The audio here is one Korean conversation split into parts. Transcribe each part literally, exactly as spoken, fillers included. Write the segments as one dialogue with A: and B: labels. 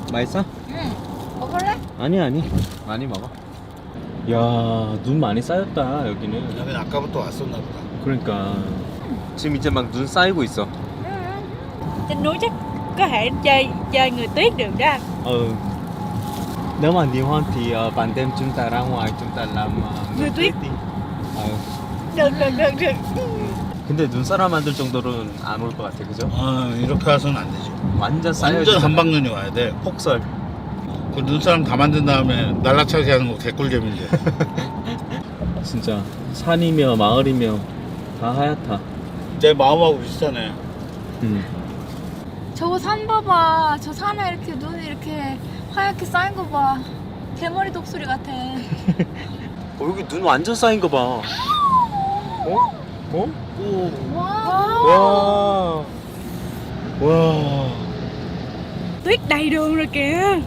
A: 맛있어?
B: 응. 먹을래?
A: 아니 아니 많이 먹어. 야, 눈 많이 쌓였다 여기는.
C: 여긴 아까부터 왔었나 보다.
A: 그러니까 지금 이제 막 눈 쌓이고 있어.
B: Trên núi chắc có thể chơi chơi người tuyết được đó anh.
A: Ừ. Nếu mà nhiều hơn thì uh, ban đêm chúng ta ra ngoài chúng ta làm uh,
B: Người tuyết.
A: đi. 어.
B: Được được được được.
A: 근데 눈사람 만들 정도로는 안 올 것 같아, 그죠?
C: 아 이렇게 와서는 안 되지.
A: 완전 쌓여.
C: 완전 한방눈이 와야 돼.
A: 폭설.
C: 그 눈사람 다 만든 다음에 날라차게 하는 거 개꿀잼인데.
A: 진짜 산이며 마을이며 다 하얗다.
C: 내 마음하고 비슷하네.
A: 음.
B: 저거 산 봐봐. 저 산에 이렇게 눈이 이렇게 하얗게 쌓인 거 봐. 대머리 독수리 같아.
A: 어, 여기 눈 완전 쌓인 거 봐. 어? 어? 오.
B: Wow.
A: 와. 와.
B: Tuyết đầy đường rồi kìa.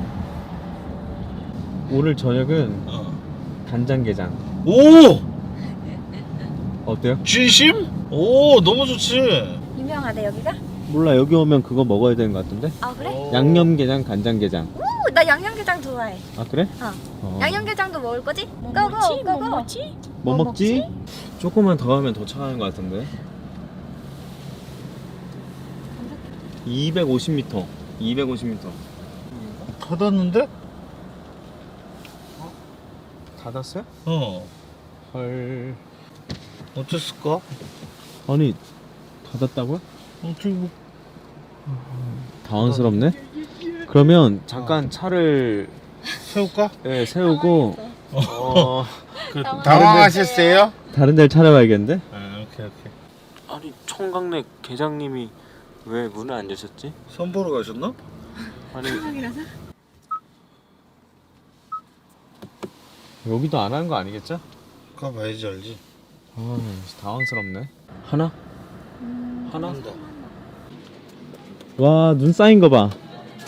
A: 오늘 저녁은
C: 어.
A: 간장게장.
C: 오!
A: 어때요?
C: 진심? 오 너무 좋지.
B: 유명하대 여기가?
A: 몰라, 여기 오면 그거 먹어야 되는 것 같은데?
B: 아 그래?
C: 오.
A: 양념게장, 간장게장.
B: 오, 나 양념게장 좋아해.
A: 아 그래?
B: 어.
A: 어.
B: 양념게장도 먹을 거지?
D: 뭐
B: 고고,
D: 먹지? 뭐
B: 고고.
D: 먹지?
A: 뭐
B: 뭐
A: 먹지? 조금만 더 하면 더 차가운 것 같은데. 이백오십 미터. 이백오십 미터.
C: 닫았는데?
A: 닫았어요?
C: 어.
A: 헐.
C: 어땠을까?
A: 아니, 닫았다고요?
C: 어떻게 뭐
A: 당황스럽네. 그러면 잠깐 차를
C: 세울까?
A: 예, 세우고 어,
C: 그 당황하셨어요?
A: 다른 데를 찾아봐야겠는데?
C: 아 오케이 오케이.
A: 아니, 총각내 계장님이 왜 문을 안 여셨지?
C: 선 보러 가셨나?
A: 아니,
B: 생각이라서?
A: 여기도 안 하는 거 아니겠죠?
C: 가봐야지 알지.
A: 아, 당황스럽네. 하나? 하나?
C: 한다.
A: 와, 눈 쌓인 거 봐.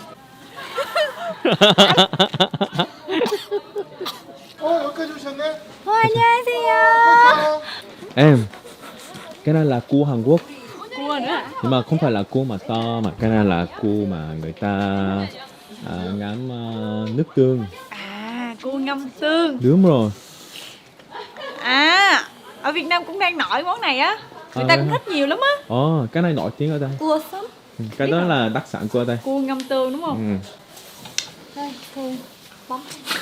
C: 어 여기까지 오셨네?
B: 어, 안녕하세요.
A: Em, cái này là cua Hàn Quốc.
B: Cua nữa hả?
A: Nhưng mà không phải là cua mà to, mà cái này là cua mà người ta à, ngắm à, nước tương.
B: À, cua ngâm tương.
A: Đúng rồi.
B: À, ở Việt Nam cũng đang nổi món này á. Người
A: À,
B: ta
A: vậy
B: cũng
A: hả?
B: thích nhiều lắm á.
A: Ồ, cái này nổi tiếng ở đây.
B: Cua sấm.
A: Ừ, cái đó là đặc sản của ở đây.
B: Cua ngâm tương đúng không?
A: Ừ.
B: Đây, cua bấm.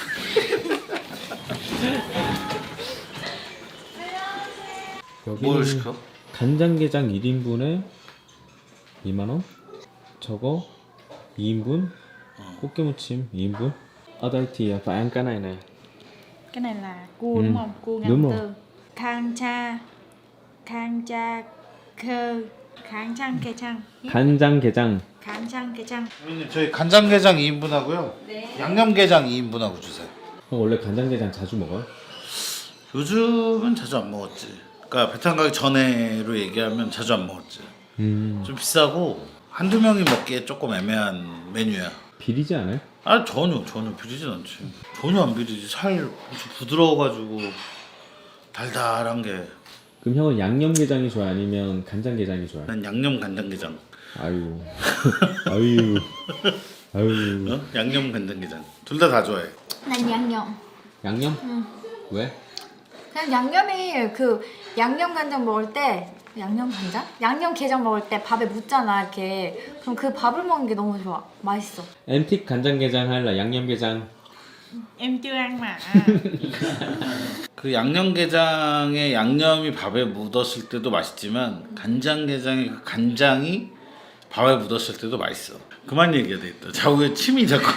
C: 뭘
A: 여기는
C: 시켜?
A: 간장게장 일 인분에 이만 원. 저거 이 인분. 꽃게무침 이 인분. Ở đây thì phải ăn cái này này.
B: Cái này là cua
A: Ừ,
B: đúng không? Cua ngâm
A: đúng rồi.
B: tương. Khang cha, khang cha khơ, khang chang kê chang.
A: 간장게장.
B: khang chang kê chang.
C: 선생님 저희 간장게장 이 인분 하고요.
B: 네.
C: 양념게장 이 인분 하고 주세요.
A: 형 원래 간장게장 자주 먹어요?
C: 요즘은 자주 안 먹었지. 그러니까 배탈 가기 전에로 얘기하면 자주 안 먹었지.
A: 음.
C: 좀 비싸고 한두 명이 먹기에 조금 애매한 메뉴야.
A: 비리지 않아요?
C: 아 전혀 전혀 비리진 않지. 전혀 안 비리지. 살 엄청 부드러워가지고 달달한 게.
A: 그럼 형은 양념게장이 좋아요? 아니면 간장게장이 좋아요?
C: 난 양념 간장게장.
A: 아유. 아유. 아유.
C: 어? 양념 간장게장. 둘 다 다 좋아해.
B: 난 양념.
A: 양념? 왜?
B: 그냥 양념이 그 양념 간장 먹을 때 양념 간장? 양념 게장 먹을 때 밥에 묻잖아 이렇게. 그럼 그 밥을 먹는 게 너무 좋아. 맛있어.
A: Em thích 간장게장 hay là 양념게장?
B: Em chưa ăn mà.
C: 그 양념게장의 양념이 밥에 묻었을 때도 맛있지만 간장게장의 그 간장이 밥에 묻었을 때도 맛있어. 그만 얘기해야 되겠다. 자꾸 왜 침이 자꾸.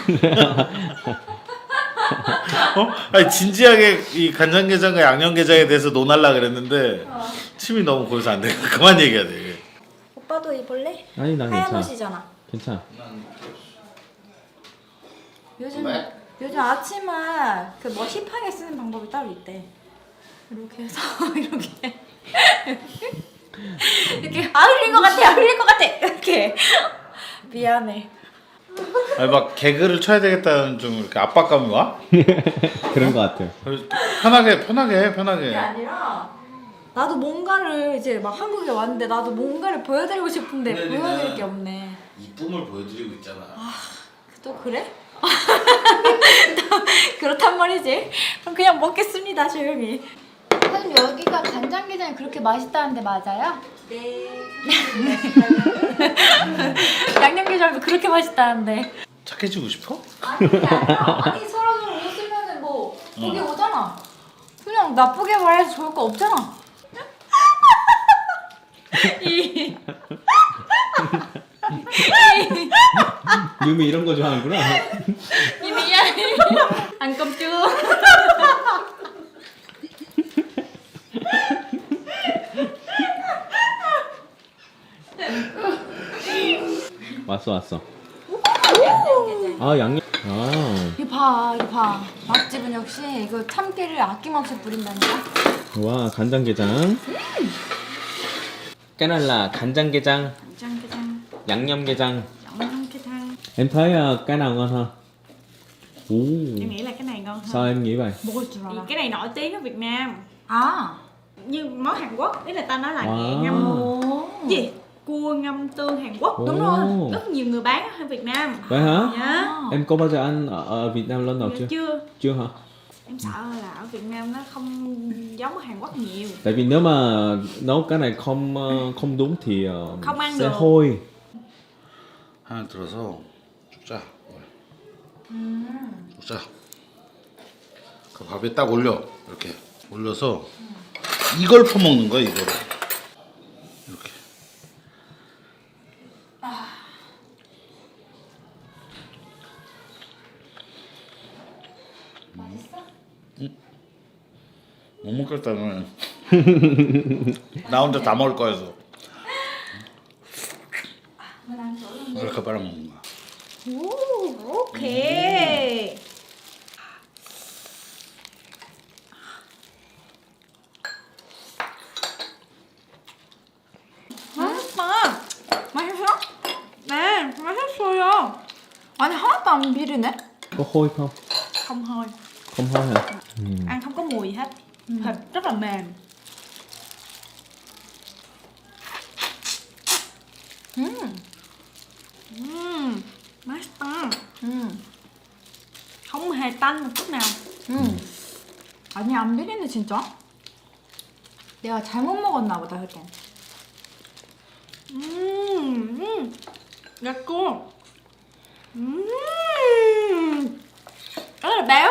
C: 어? 아니 진지하게 이 간장게장과 양념게장에 대해서 논하려 그랬는데 침이 너무 고여서 안 돼. 그만 얘기해야 돼.
B: 오빠도 입을래?
A: 아니, 난
B: 하얀
A: 괜찮아.
B: 옷이잖아.
A: 괜찮아.
B: 요즘
C: 왜?
B: 요즘 아침에 그 뭐 힙하게 쓰는 방법이 따로 있대. 이렇게 해서 이렇게 이렇게 아 흘린 것 같아, 아 흘린 것 같아 이렇게. 미안해.
C: 아니 막 개그를 쳐야 되겠다는 좀 이렇게 압박감이 와?
A: 그런 것 같아요.
C: 그래서 편하게 편하게 해 편하게.
B: 그게 아니라 나도 뭔가를 이제 막 한국에 왔는데 나도 뭔가를 보여드리고 싶은데
C: 근데
B: 보여드릴
C: 우리는
B: 게 없네.
C: 이쁨을 보여드리고 있잖아.
B: 또 그래? 또 그렇단 말이지. 그럼 그냥 먹겠습니다, 조용히. 선생님 여기가 간장게장이 그렇게 맛있다는데 맞아요?
D: 네.
B: 양념게장도 그렇게 맛있다는데.
C: 착해지고 싶어?
B: 아니 그게 아니라 아니 서로 서로 웃으면은 뭐 그게 오잖아. 그냥 나쁘게 말해서 좋을 거 없잖아. 이
A: 유미 이런 거 좋아하는구나.
B: 이 미안해. 안 깜짝.
A: 왔어 왔어. 아 양념. 아
B: 이거 봐, 이거 봐. 맛집은 역시 이거 참기를 아낌없이 뿌린다니까.
A: 와 간장게장. 까날라 간장게장,
D: Ganjang
A: 양념게장.
D: Ganjang
A: Em thấy ờ, cái nào ngon hơn? Ồ,
D: Em nghĩ là cái này ngon hơn.
A: sao em nghĩ vậy?
B: 먹을 줄
D: Vì
B: 알아.
D: cái này nổi tiếng ở Việt Nam.
B: 아.
D: Như món Hàn Quốc, ý là ta nói là
A: Wow.
D: ngâm
B: 오.
D: gì? Cua ngâm tương Hàn Quốc. Đúng
A: Ồ.
D: rồi. Rất nhiều người bán ở Việt Nam.
A: Vậy hả?
D: Dạ.
A: Em có bao giờ ăn ở, ở Việt Nam lần nào
D: Dạ
A: chưa?
D: chưa.
A: Chưa hả?
D: Em sợ là ở Việt Nam nó không giống ở Hàn Quốc nhiều.
A: Tại vì nếu mà nấu cái này không ờ, không đúng thì ờ,
D: Không ăn
A: sẽ
D: được.
A: hôi.
C: 하나 들어서 쭉 짜. 쭉 짜. 그 밥에 딱 올려. 이렇게 올려서 이걸 퍼먹는 거야 이거를. 이렇게. 못 먹겠다는. 나 혼자 다 먹을 거여서. 이렇게 빨아 먹는 거야.
D: Ồ, ok. 맛있다.
B: 맛있어?
D: 네, 맛있어요.
B: 아니 하나도 안 비리네.
A: Có hôi không?
D: Không hôi,
A: Không hôi hả? Ừ.
D: ăn không có mùi gì hết. Thịt rất là mềm.
B: 음.
D: Ừm, 맛있다.
B: 음.
D: Không hề tanh một chút nào.
B: 음. 아니 안 비리네 진짜. 내가 잘못 먹었나 보다 그때.
D: Ừm, ừm. Gà cua. Ừm. Rất là béo.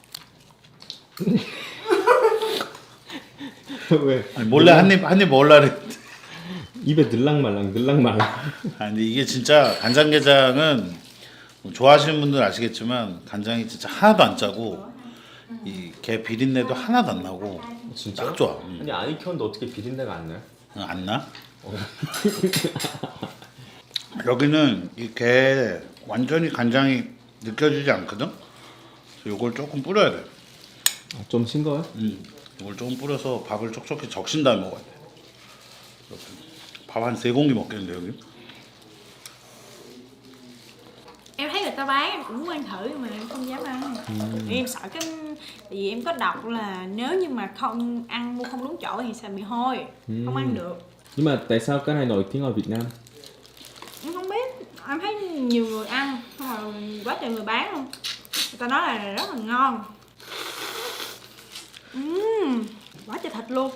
A: 왜?
C: 아니, 몰래 한입 한입 먹으려 그랬는데.
A: 입에 들락말락 들락말락.
C: 아 근데 이게 진짜 간장게장은 뭐 좋아하시는 분들 아시겠지만 간장이 진짜 하나도 안 짜고 이 게 비린내도 하나도 안 나고
A: 진짜?
C: 딱 좋아. 음.
A: 아니 안 익혔는데 어떻게 비린내가 안 나요?
C: 어, 안 나? 여기는 이 게 완전히 간장이 느껴지지 않거든. 그래서 이걸 조금 뿌려야 돼.
A: 아, 좀 싱거워요?
C: 음, 이걸 조금 뿌려서 밥을 촉촉히 적신 다음에 먹어야 돼. 밥 한 세 공기 먹겠는데 여기?
D: Em thấy người ta bán em cũng muốn ăn thử nhưng mà em không dám ăn. Vì em sợ cái tại vì em có đọc là nếu như mà không ăn mua không đúng chỗ thì sẽ bị hôi, không ăn được.
A: Nhưng mà tại sao cái này nổi tiếng ở Việt Nam?
D: Em không biết, em thấy nhiều người ăn xong rồi quá trời người bán luôn. Người ta nói là rất là ngon. Uhm, quá trời thịt luôn.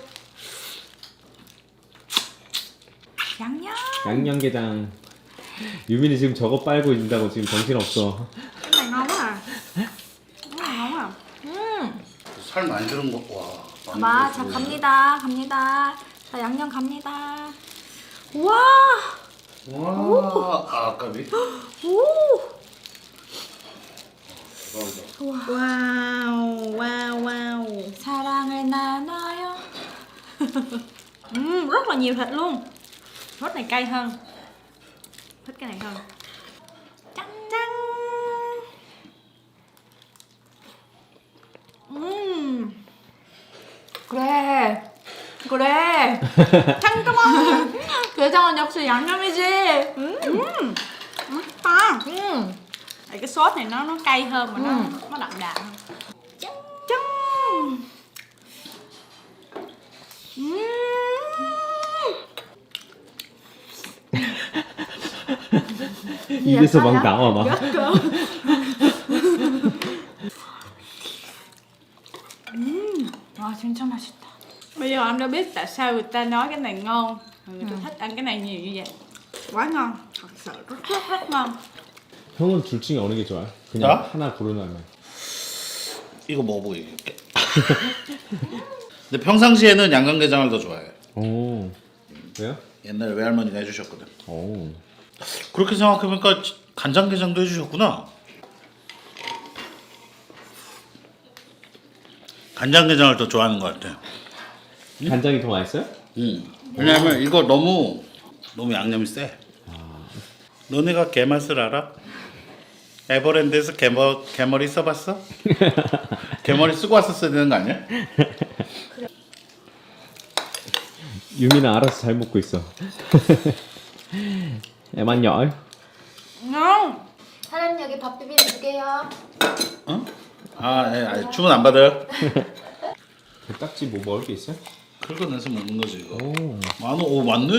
B: 양념.
A: 양념게장. 유민이 지금 저거 빨고 있다고 지금 정신없어.
D: Cái này ngon quá à. Cái này ngon quá à.
B: 음.
C: 살 많이 들은 거 와. 많이
B: 봐,
C: 들었어.
B: 자 갑니다, 갑니다. 자 양념 갑니다. 우와,
C: 와, 아, 아까비.
B: 오,
C: 대박이다.
D: Wow, wow, wow.
B: 사랑을 나눠요.
D: Uhm, rất là nhiều thịt luôn. Rốt này cay hơn. Thích cái này hơn. Căng căng. Uhm.
B: 그래, 그래.
D: 잠깐만.
B: 게장은 역시 양념이지. 음,
D: Uhm. 맛있다.
B: 음.
D: Tại cái sốt này nó nó cay hơn mà nó
B: Ừ.
D: nó đậm đà hơn. Chăng chăng. Uhm.
A: 입에서 막 나와 막.
B: 와 진짜 맛있다.
D: Bây giờ anh đã biết tại sao người ta nói cái này ngon, người ta thích ăn cái này nhiều như vậy. Quá ngon, thật sự rất rất rất ngon.
A: 형은 둘 중에 어느 게 좋아요? 그냥
C: 나?
A: 하나 고르라면.
C: 이거 먹어보고 얘기할게. 근데 평상시에는 양념게장을 더 좋아해.
A: 오. 왜요?
C: 옛날에 외할머니가 해주셨거든.
A: 오.
C: 그렇게 생각해보니까 간장게장도 해주셨구나. 간장게장을 더 좋아하는 것 같아.
A: 간장이 더 맛있어요?
C: 응. 왜냐면 이거 너무 너무 양념이 세. 너네가 게맛을 알아? 에버랜드에서 게머, 게머리 써봤어? 게머리 쓰고 왔었어야 되는 거 아니야?
A: 유미는 알아서 잘 먹고 있어. Em ăn giỏi.
D: Ngon.
B: 사장님 여기 밥 비빔 두 개요.
C: 어? 아, 예, 아니, 주문 안 받아요?
A: 딱지 뭐 먹을 게 있어요?
C: 긁어내서 먹는 거지 이거.
A: 오.
C: 많어, 오 맞네.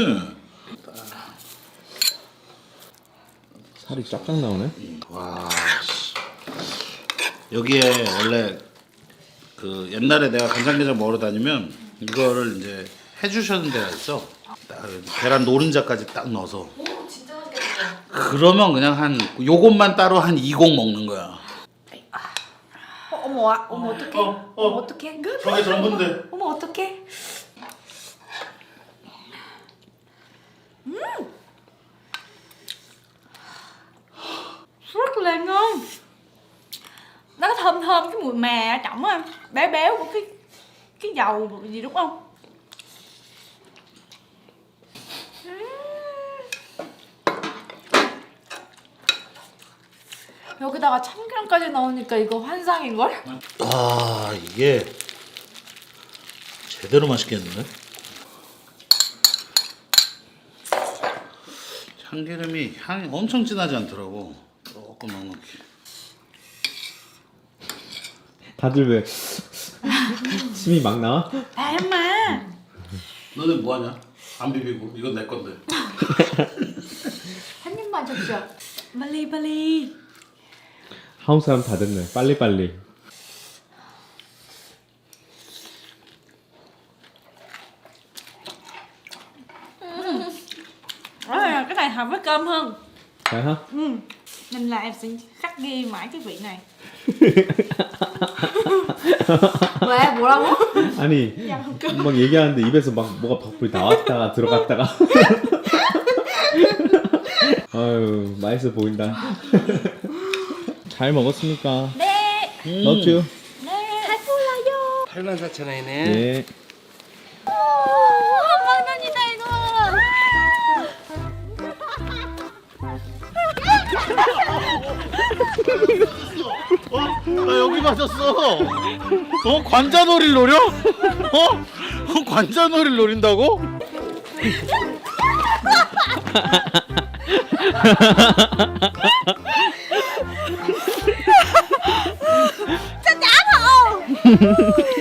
A: 살이 쫙쫙 나오네.
C: 와, 씨. 여기에 원래 그 옛날에 내가 간장게장 먹으러 다니면 이거를 이제 해주셨는 데가 있어. 딱 계란 노른자까지 딱 넣어서.
B: 오 진짜 맛있겠다.
C: 그러면 그냥 한 요것만 따로 한 이공 먹는 거야.
B: 어, 어머 아, 어머 어떡해?
C: 어, 어.
B: 어머 어떡해?
C: 저게 전부인데.
B: 어머 어떡해?
D: Rất là ngon. Nó có thơm thơm cái mùi mè ở trong á, béo béo của cái cái dầu gì đúng không?
B: 여기다가 참기름까지 넣으니까 이거 환상인걸?
C: 아 이게 제대로 맛있겠는데? 참기름이 향이 엄청 진하지 않더라고. 조금 넉넉히.
A: 다들 왜 침이 막 나와?
D: Em mà.
C: 너네 뭐하냐? 안 비비고 이건 내 건데.
B: 한 입만 줍시오.
D: Bali Bali.
A: 한국 사람 다 됐네. 빨리빨리.
D: À, cái này hợp với cơm hơn.
A: 잘 하?
D: Ừ. Nên là em sẽ khắc ghi mãi cái vị này.
B: 왜 뭐라고?
A: 아니 막 얘기하는데 입에서 막 뭐가 밖으로 나왔다가 들어갔다가. 아유 맛있어 보인다. 잘 먹었습니까?
D: 네.
A: 넣었죠?
D: 네. 잘 골라요.
E: 팔만 사천 원이네.
A: 네.
D: 한만 원이다 이거.
C: 나 여기 맞았어. 어 관자놀이를 노려? 어? 어 관자놀이를 노린다고?
D: Sao trả không?